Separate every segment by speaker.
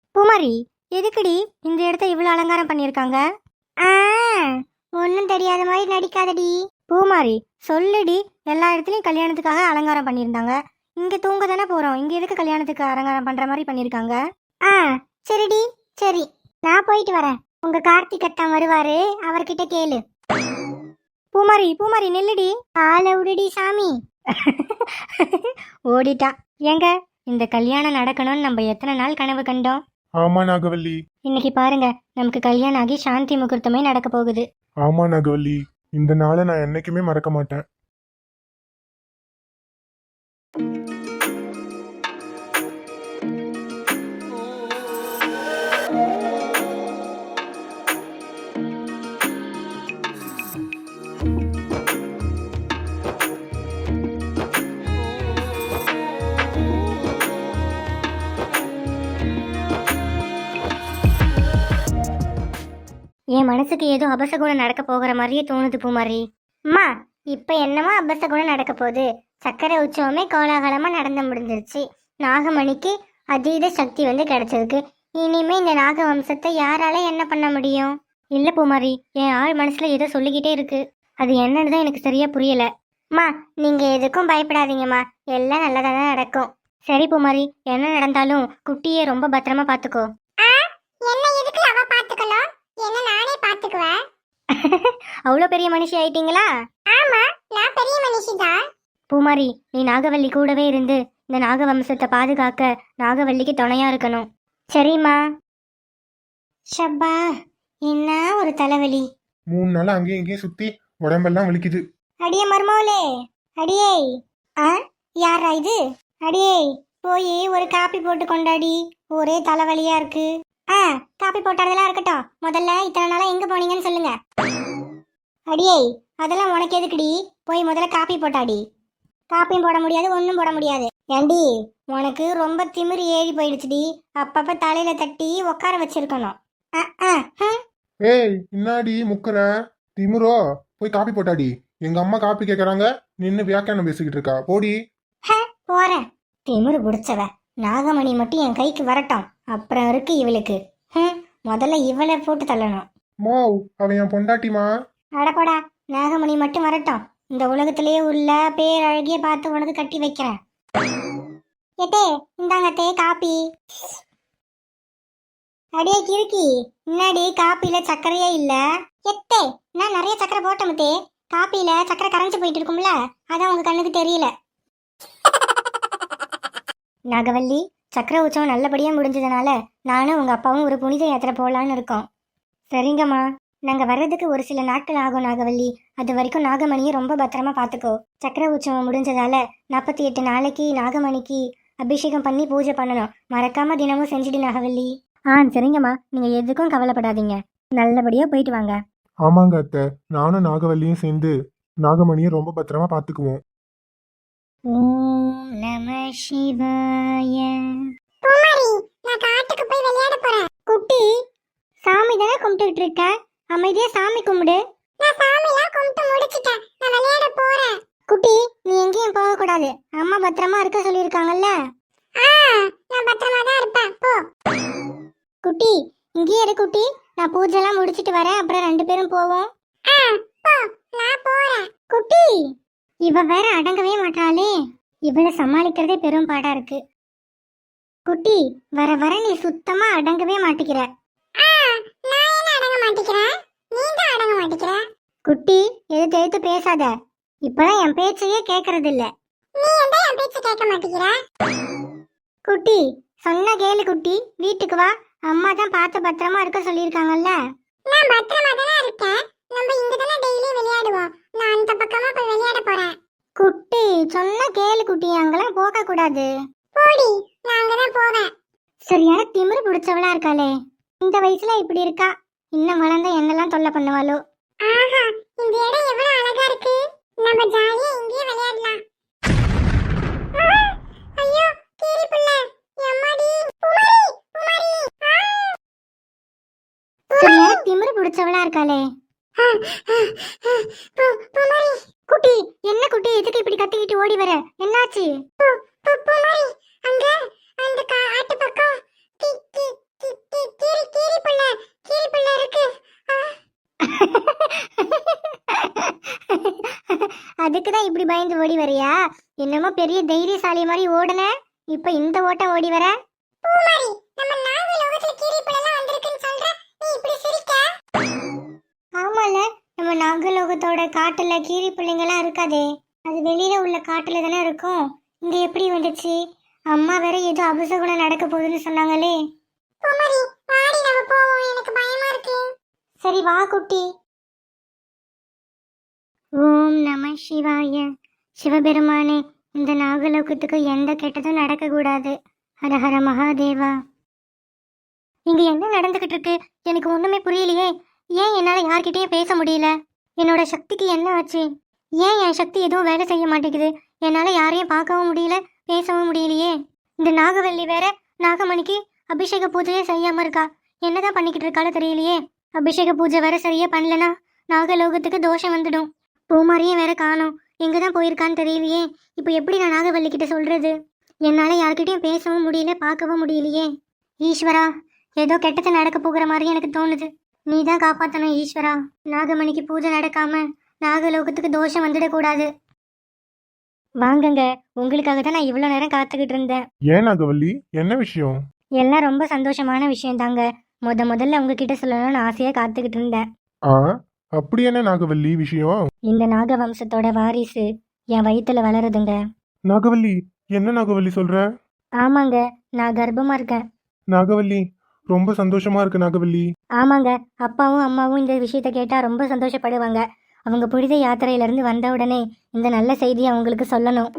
Speaker 1: பூமாரி, எதுக்குடி இந்த இடத்த இவ்வளவு அலங்காரம் பண்ணிருக்காங்க? ஒன்னும் தெரியாத மாதிரி நடிக்காதடி. பூமாரி, சொல்லுடி. எல்லா இடத்துலயும் கல்யாணத்துக்காக அலங்காரம் பண்ணியிருந்தாங்க. இங்க தூங்க தானே போறோம், இங்க எதுக்கு கல்யாணத்துக்கு அலங்காரம் பண்ற மாதிரி பண்ணிருக்காங்க? சரிடி, சரி, நான் போயிட்டு வரேன். உங்க கார்த்திக் அத்தான் வருவாரு, அவர்கிட்ட கேளு. பூமாரி, பூமாரி நில்லுடி. ஆளை விடுடி சாமி. ஓடிட்டா. ஏங்க, இந்த கல்யாணம் நடக்கணும்னு நம்ம எத்தனை நாள் கனவு கண்டோம்.
Speaker 2: ஆமா நாகவல்லி.
Speaker 1: இன்னைக்கு பாருங்க, நமக்கு கல்யாணம் ஆகி சாந்தி முகூர்த்தமே நடக்க போகுது.
Speaker 2: ஆமா நாகவல்லி, இந்த நாளை நான் என்னைக்குமே மறக்க மாட்டேன்.
Speaker 1: என் மனசுக்கு ஏதோ அபசகுணம் நடக்க போகிற மாதிரியே தோணுது பூமாரி. அம்மா, இப்ப என்னமா அபசகுணம் நடக்க போகுது? சக்கரை உற்சவமே கோலாகலமா நடந்து முடிஞ்சிருச்சு. நாகமணிக்கு அதீத சக்தி வந்து கிடைச்சிருக்கு. இனிமே இந்த நாக வம்சத்தை யாரால என்ன பண்ண முடியும்? இல்ல பூமாரி, என் ஆள் மனசுல ஏதோ சொல்லிக்கிட்டே இருக்கு. அது என்னன்னு தான் எனக்கு சரியா புரியல. அம்மா, நீங்க எதுக்கும் பயப்படாதீங்கம்மா, எல்லாம் நல்லதா தான் நடக்கும். சரி பூமாரி, என்ன நடந்தாலும் குட்டியை ரொம்ப பத்திரமா பாத்துக்கோ. என்ன எதுக்கு அவ பாத்துக்கணும்? என்ன நானே பாத்துக்குவேன். அவ்வளோ பெரிய மனுஷி ஆயிட்டீங்களா? ஆமா, நான் பெரிய மனுஷி தான். பூமாரி, நீ நாகவல்லி கூடவே இருந்து இந்த நாக வம்சத்தை பாதுகாக்க நாகவல்லிக்கு துணையா இருக்கணும். சரிம்மா. ஷப்பா, என்ன ஒரு தலைவலி.
Speaker 2: 3 நாள் அங்கேயும் இங்கேயும் சுத்தி உடம்பெல்லாம் வலிக்குது.
Speaker 1: அடியே மருமோளே, அடியே. யாரா இது? அடியே, போய் ஒரு காப்பி போட்டு கொண்டாடி, ஒரே தலைவலியா இருக்கு. காப்பி போட்டாதெல்லாம் இருக்கட்டும், முதல்ல இத்தனை நாளா எங்க போனீங்கன்னு சொல்லுங்க. அடியே, அதெல்லாம் உனக்கு எதுக்குடி? போய் முதல்ல காப்பி போட்டாடி. காப்பியும் போட முடியாது, ஒன்றும் போட முடியாது. ஏண்டி, உனக்கு ரொம்ப திமிரு ஏறி போயிடுச்சுடி. அப்பப்ப தலையில தட்டி உட்கார வச்சிருக்கணும்.
Speaker 2: ஏய், இன்னாடி முக்கற திமுறோ? போய் காப்பி போட்டாடி. எங்க அம்மா காப்பி கேக்குறாங்க, நின்னு வியாக்கியானம் பேசிக்கிட்டு இருக்கா. போடி.
Speaker 1: போறேன். திமிரு பிடிச்சவ. நாகமணி மட்டும் என் கைக்கு வரட்டும், அப்புறம் இருக்கு இவளுக்கு. முதல்ல இவளை போட்டு தள்ளணும்.
Speaker 2: மோவ், அவன் என் பொண்டாட்டிமா.
Speaker 1: அடப்படா, நாகமணி மட்டும் வரட்டும், இந்த உலகத்திலேயே உள்ள பேரழகிய பார்த்து உனக்கு கட்டி வைக்கிறேன். ஏத்தே, இந்தாங்கத்தே காப்பி. அடியே கிறுக்கி, முன்னாடி காப்பில சர்க்கரையே இல்ல. எத்தே, நான் நிறைய சர்க்கரை போட்டமுத்தே. காப்பில சர்க்கரை கரைஞ்சு போயிட்டு இருக்கும்ல, அதான் உங்க கண்ணுக்கு தெரியல. நாகவல்லி, சக்கர உற்சவம் நல்லபடியாக முடிஞ்சதுனால நானும் உங்கள் அப்பாவும் ஒரு புனித யாத்திரை போகலான்னு இருக்கோம். சரிங்கம்மா, நாங்கள் வர்றதுக்கு ஒரு சில நாட்கள் ஆகும் நாகவல்லி. அது வரைக்கும் நாகமணியை ரொம்ப பத்திரமா பார்த்துக்கோ. சக்கர உற்சவம் முடிஞ்சதால 48 நாளைக்கு நாகமணிக்கு அபிஷேகம் பண்ணி பூஜை பண்ணணும். மறக்காம தினமும் செஞ்சுடு நாகவல்லி. சரிங்கம்மா, நீங்கள் எதுக்கும் கவலைப்படாதீங்க. நல்லபடியாக போயிட்டு வாங்க.
Speaker 2: ஆமாங்க அத்தை, நானும் நாகவல்லியும் சேர்ந்து நாகமணியை ரொம்ப பத்திரமா பாத்துக்குவோம்.
Speaker 1: ஓம் நம சிவாய. பூமாரி, நான் காட்டுக்கு போய் விளையாட போறேன். குட்டி, சாமி தானே கும்பிட்டுட்டு இருக்க, அமைதியா சாமி கும்பிடு. நான் சாமிலாம் கும்பிட்டு முடிச்சிட்டேன், நான் விளையாட போறேன். குட்டி, நீ எங்கேயும் போக கூடாது, அம்மா பத்திரமா இருக்க சொல்லிருக்காங்கல்ல. நான் பத்திரமா தான் இருப்பேன், போ. குட்டி, இங்கேயே இரு குட்டி, நான் பூஜைலாம் முடிச்சிட்டு வரேன், அப்புறம் 2 பேரும் போவோம். போ, நான் போறேன். குட்டி, இவ வேற அடங்கவே மாட்டாளே, இவளை சமாளிக்கிறதே பெரும் பாடா இருக்கு. குட்டி, வர வர நீ சுத்தமா அடங்கவே மாட்டிக்கிற. குட்டி, எது எழுத்து பேசாத, இப்பதான் என் பேச்சையே கேக்குறது இல்ல. குட்டி, சொன்ன கேளு குட்டி, வீட்டுக்கு வா, அம்மா தான் பார்த்து பத்திரமா இருக்க சொல்லிருக்காங்கல்ல. நான் பத்திரமா தானே இருக்கேன், நம்ம இங்க தானே டெய்லி விளையாடுவோம், நான் அந்த பக்கமா போய் விளையாட போறேன். குட்டி, சொன்ன கேளு குட்டி, அங்கெல்லாம் போக கூடாது. போடி, நான் அங்கதான் போவேன். சரியான திமிரு பிடிச்சவளா இருக்காளே, இந்த வயசுல இப்படி இருக்கா, இன்னும் வளர்ந்த என்னெல்லாம் தொல்லை பண்ணுவாளோ. ஆஹா, இந்த இடம் எவ்வளவு அழகா இருக்கு, நம்ம ஜாலியா இங்கேயே விளையாடலாம். ஐயோ, கீரி புள்ள, எம்மாடி, பூமாரி, பூமாரி. சரியான திமிரு பிடிச்சவளா இருக்காளே. குட்டி, என்ன குட்டி, எதுக்கு இப்படி கத்திக்கிட்டு ஓடி வர, என்னாச்சு? அங்க அந்த ஆட்டு பக்கம் அதுக்கு தான் இப்படி பயந்து ஓடி வரியா? என்னமோ பெரிய தைரியசாலி மாதிரி ஓடுன, இப்ப இந்த ஓட்டம் ஓடி வர? பூமாரி, நம்ம நாகலோகத்துல கீரிப்புலலாம் வந்திருக்குன்னு சொல்ற, நீ இப்படி சிரிக்க? ஆமால, நம்ம நாகலோகத்தோட காட்டுல கீரி பிள்ளைங்கலாம் இருக்காதே, அது வெளியில உள்ள காட்டுல தானே இருக்கும். இங்க எப்படி வந்துச்சு? அம்மா வேற ஏதோ அபசகுணம் நடக்க போகுதுன்னு சொன்னாங்களே. பூமாரி, வாடி நம்ம போவோம், எனக்கு பயமா இருக்கு. சரி வா குட்டி. ஓம் நம சிவாய. சிவபெருமானே, இந்த நாகலோகத்துக்கு எந்த கெட்டதும் நடக்கக்கூடாது. ஹர ஹர மகாதேவா. இங்க என்ன நடந்துகிட்டு இருக்கு? எனக்கு ஒண்ணுமே புரியலையே. ஏன் என்னால யார்கிட்டயும் பேச முடியல? என்னோட சக்திக்கு என்ன ஆச்சு? ஏன் என் சக்தி எதுவும் வேலை செய்ய மாட்டேங்குது? என்னால யாரையும் பார்க்கவும் முடியல, பேசவும் முடியலையே. இந்த நாகவல்லி வேற நாகமணிக்கு அபிஷேக பூஜையே செய்யாம இருக்கா. என்னதான் பண்ணிக்கிட்டு இருக்காளோ தெரியலையே. அபிஷேக பூஜை வேற சரியா பண்ணலனா நாகலோகத்துக்கு தோஷம் வந்துடும். பூமாரியும் வேற காணோம், எங்கதான் போயிருக்கான்னு தெரியலையே. இப்போ எப்படி நான் நாகவல்லி கிட்ட சொல்றது? என்னால யார்கிட்டயும் பேசவும் முடியல, பார்க்கவும் முடியலையே. ஈஸ்வரா, ஏதோ கெட்டது நடக்க போகிற மாதிரி எனக்கு தோணுது. நீ தான் காப்பாத்தணும் ஈஸ்வரா. நாகமணிக்கு பூஜை நடக்காம நாகலோகத்துக்கு தோஷம் வந்துடக்கூடாது. வாங்கங்க, உங்களுக்காக தான் நான் இவ்வளோ நேரம் காத்துக்கிட்டு இருந்தேன்.
Speaker 2: ஏன் நாகவல்லி, என்ன விஷயம்?
Speaker 1: எல்லாம் ரொம்ப சந்தோஷமான விஷயம் தாங்க. முதல்ல உங்ககிட்ட சொல்லணும்னு ஆசையா காத்துக்கிட்டு இருந்தேன்.
Speaker 2: ஆ, அப்படி என்ன நாகவல்லி விஷயம்?
Speaker 1: இந்த நாக வம்சத்தோட வாரிசு என் வயித்துல வளருதுங்க.
Speaker 2: நாகவல்லி, என்ன நாகவல்லி சொல்ற?
Speaker 1: ஆமாங்க, நான் கர்ப்பமா இருக்கேன்.
Speaker 2: நாகவல்லி, ரொம்ப சந்தோஷமா இருக்கு நாகவல்லி.
Speaker 1: ஆமாங்க, அப்பாவும் அம்மாவும் இந்த விஷயத்த கேட்டா ரொம்ப சந்தோஷப்படுவாங்க. அவங்க புனித யாத்திரையில இருந்து வந்த உடனே இந்த நல்ல செய்தியை அவங்களுக்கு சொல்லணும்.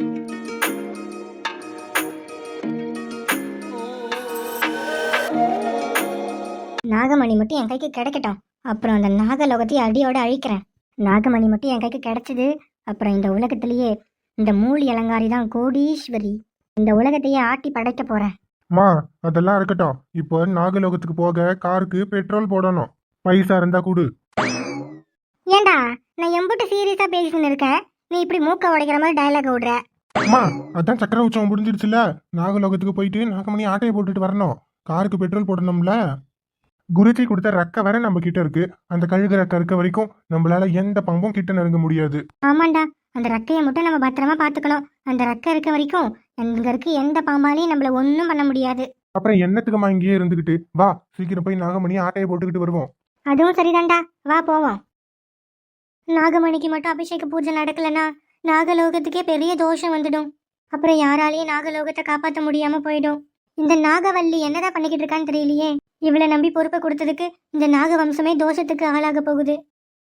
Speaker 1: நாகமணி மட்டும் என் கைக்கு கிடைக்கட்டும், அப்புறம் அந்த நாகலோகத்தையும் அடியோட அழிக்கிறேன். நாகமணி மட்டும் என் கைக்கு கிடைச்சது, அப்புறம் இந்த உலகத்திலேயே இந்த மூலி அலங்காரி தான் கோடீஸ்வரி. இந்த உலகத்தையே ஆட்டி படைக்க போறேன்.
Speaker 2: மா, அதெல்லாம் இருக்கட்டும். இப்போ நாகலோகத்துக்கு போக காருக்கு பெட்ரோல் போடணும். பைசா இருந்தா கொடு.
Speaker 1: ஏண்டா, நான் எம்புட்டு சீரியஸா பேசின்னு இருக்கேன், நீ இப்படி மூக்க உடைக்கிற மாதிரி டயலாக் விடுற?
Speaker 2: அம்மா, அதான் சக்கர உற்சவம் முடிஞ்சிடுச்சுல, நாகலோகத்துக்கு போயிட்டு நாகமணி ஆட்டையை போட்டுட்டு வரணும். காருக்கு பெட்ரோல் போடணும்ல. குருஜி கொடுத்த ரெக்க வர நம்ம கிட்ட இருக்கு. அந்த கழுகு ரெக்க இருக்க வரைக்கும் நம்மளால எந்த பாம்பும் கிட்ட நெருங்க முடியாது.
Speaker 1: ஆமாண்டா, அந்த ரெக்கையை மட்டும் நம்ம பத்திரமா பாத்துக்கணும். அந்த ரெக்கை இருக்க வரைக்கும் அங்க இருக்க எந்த பாம்பாலையும் நம்மள ஒன்றும் பண்ண முடியாது.
Speaker 2: அப்புறம் என்னத்துக்குமா இங்கேயே இருந்துகிட்டு? வா, சீக்கிரம் போய் நாகமணி ஆட்டையை போட்டுக்கிட்டு வருவோம்.
Speaker 1: அதுவும் சரிதான்டா, வா போவோம். நாகமணிக்கு மட்டும் அபிஷேக பூஜை நடக்கலனா நாகலோகத்துக்கே பெரிய தோஷம் வந்துடும். அப்புறம் யாராலையும் நாகலோகத்தை காப்பாற்ற முடியாம போயிடும். இந்த நாகவல்லி என்னதான் பண்ணிக்கிட்டு இருக்கான்னு தெரியலையே. இவளை நம்பி பொறுப்பை கொடுத்ததுக்கு இந்த நாக வம்சமே தோஷத்துக்கு ஆளாக போகுது.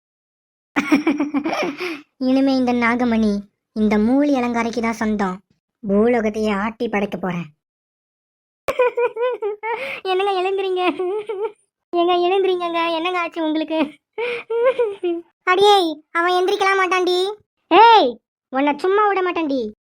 Speaker 1: இனிமே இந்த நாகமணி இந்த மூலி அலங்காரிக்கு தான் சொந்தம். பூலோகத்தையே ஆட்டி படைக்க போறேன். என்னங்க எழுந்துறீங்க? ஏங்க எழுந்துறீங்க, என்னங்க ஆச்சு உங்களுக்கு? அடியே, அவன் எந்திரிக்கலாம் மாட்டான்டி. ஏய், உன்னை சும்மா விட மாட்டான்டி.